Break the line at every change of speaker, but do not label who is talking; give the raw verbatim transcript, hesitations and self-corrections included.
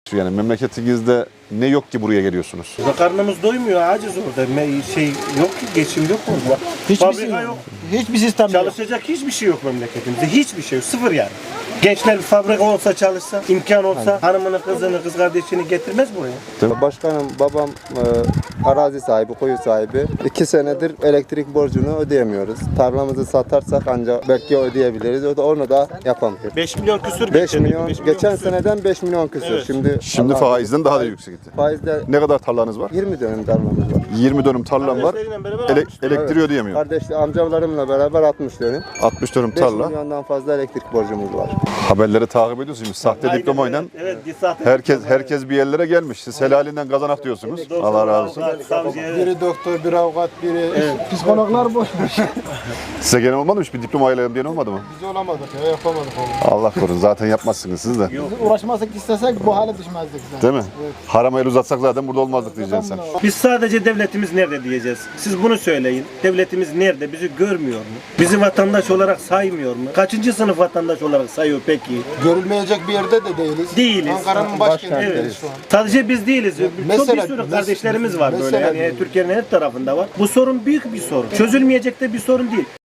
Yani memleketinizde ne yok ki buraya geliyorsunuz?
Karnımız doymuyor, aciz orada. Me- Şey yok ki, geçim yok orada.
Hiçbir
Fabrika
şey yok.
yok.
Hiçbir sistem yok.
Çalışacak hiçbir şey yok memleketimizde. Hiçbir şey yok. Sıfır yani. Gençler bir fabrika olsa çalışsa, imkan olsa hanımını, kızını, kız kardeşini getirmez buraya.
Başkanım, babam e, arazi sahibi, koyu sahibi. İki senedir elektrik borcunu ödeyemiyoruz. Tarlamızı satarsak ancak belki ödeyebiliriz. O da onu da yapamıyoruz.
beş milyon küsür
beş
getirdik,
milyon,
beş
geçen
küsür.
seneden beş milyon küsür.
Evet.
Şimdi
Şimdi
Allah-
faizden daha da yüksekti.
Faizde
Ne kadar tarlanız var?
yirmi dönüm tarlamız var.
yirmi dönüm tarlam var.
Kardeşleriyle beraber
Ele-
altmış dönüm.
elektriği ödeyemiyor.
Kardeşli amcalarımla beraber altmış dönüm.
altmış dönüm
beş
tarla.
milyondan fazla elektrik borcumuz var.
Haberleri takip ediyorsunuz. Sahte
Aynen
diplomayla
öyle. Evet, bir sahte
herkes
diploma.
herkes bir yerlere gelmiş. Siz helalinden kazanak diyorsunuz. Allah razı olsun.
Avukat, savcı, evet.
Biri doktor, biri avukat, biri psikologlar boşmuş.
Size gelen olmadı mı? Hiç bir diploma ayarlayalım diyen olmadı mı?
Biz olamadık ya, yapamadık onu.
Allah korusun. Zaten yapmazsınız siz de.
Biz uğraşmasak istesek bu hale düşmezdik zaten.
Değil mi? Harama el uzatsak zaten burada olmazdık diyeceksin sen.
Biz sadece devletimiz nerede diyeceğiz. Siz bunu söyleyin. Devletimiz nerede? Bizi görmüyor mu? Bizi vatandaş olarak saymıyor mu? Kaçıncı sınıf vatandaş olarak sayıyor peki?
Görülmeyecek bir yerde de değiliz.
Değiliz.
Ankara'nın başkentiyiz
Evet.
şu an.
Sadece biz değiliz. Çok bir
Mesela-
sürü
mes-
kardeşlerimiz var böyle.
mesela
Yani
diyorum.
Türkiye'nin her tarafında var. Bu sorun büyük bir sorun. Çözülmeyecek de bir sorun değil.